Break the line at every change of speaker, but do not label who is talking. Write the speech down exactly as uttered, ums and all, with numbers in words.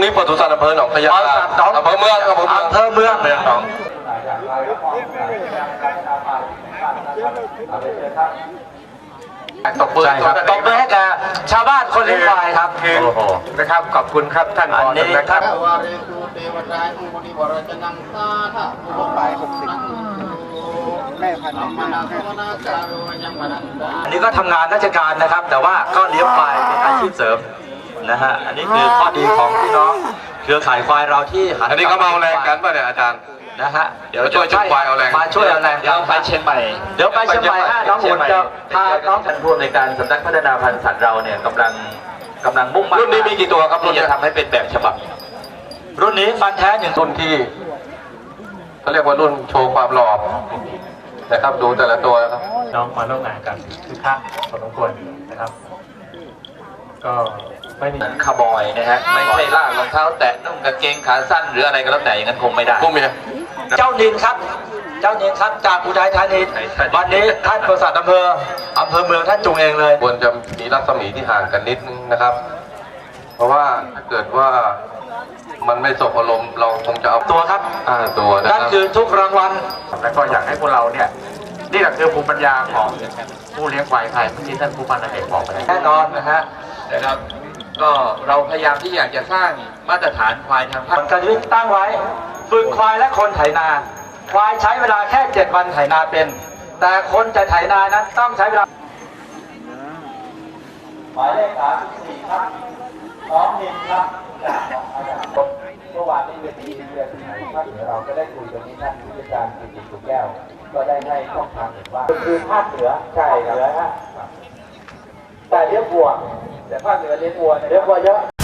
วิปศุสัตว์อำเภอหนองพญาอำเภอเมืองอำเภอเมืองอำเภอเมืองเมืองหนองตบมือครับตบมือให้กับชาวบ้านคนเลี้ยงควายครับนะครับขอบคุณครับท่านผอนะครับ
แม่พันธุ์
อันนี้ก็ทำงานราชการนะครับแต่ว่าก็เลี้ยงควายเป็นอาชีพเสริมนะฮะอันนี้คือข้อดีของพี่น้องเครือข่ายควายเราที่หัน
อันนี้เขามาเอาแรงกันป่ะเนี่ยอาจารย์
นะฮะ
เดี๋ยวช่วยช่วยควายเอาแรง
มาช่วยเอาแรงเดี๋ยวไปเชียงใหม่เดี๋ยวไปเชียงใหม่ฮะน้องหุ่นจะพาน้องท่านผู้ในการสำนักพัฒนาพันธุ์สัตว์เราเนี่ยกำลังกำลังมุ่งมั่น
รุ่นนี้มีกี่ตัวครับรุ่น
ที่จะทำให้เป็นแบบฉบับรุ่นนี้ฟันแท้หนึ่ง
รุ่นที่เขาเรียกว่ารุ่นโชว์ความหล่อนะครับดูแต่ละตัวนะครับ
น้องมาร่วมงานกันคือคักพอสมควรนะครับก็ไม่มีคาร์บอยนะฮะไม่ใช่ลากรองเท้าแตะนุ่งกางเกงขาสั้นหรืออะไรก็แล้วแต่อย่างนั้นคงไม่ได้
พวกเมีย
เจ้านินครับเจ้านินครับจากอุทัยธานีวันนี้ท่านปศุสัตว์อำเภออำเภอเมืองท่านจุงเองเลย
ควรจะมีรัศมีที่ห่างกันนิดนึงนะครับเพราะว่าถ้าเกิดว่ามันไม่สบอารมณ์เราคงจะเอา
ตัวครับ
อ่าตัวนะครับ
นั่นคือทุกรางวัล
แล้วก็อยากให้พวกเราเนี่ยนี่แหละคือภูมิปัญญาของผู้เลี้ยงควายไทยเมื่อกี้ท่านผู้พันเอกบอกไป
แน่นอนนะฮะนะครับก็เราพยายามที่อยากจะสร้างมาตรฐานควายทางภาคการวิตั้งไว้ฝึกควายและคนไถนาควายใช้เวลาแค่เจ็ดวันไถนาเป็นแต่คนจะไถนานั้นต้องใช้เวลาหมายเลขสามสิบสี่ครับน้องนินครับจากอาจารย์เมื่อวานนี้เป็นที่เรียนที่ไหนครับเดี๋ยวเราก็ได้คุยกันนี้ท่านผู้จัดการกิติสุขแก้วก็ได้ให้ช่องทางเห็นว่าคือภาคเหนือใช่เหนือฮะแต่เลี้ยงวัวแต่ภาคเหนือเลี้ยงวัวเลี้ยงวัวเยอะ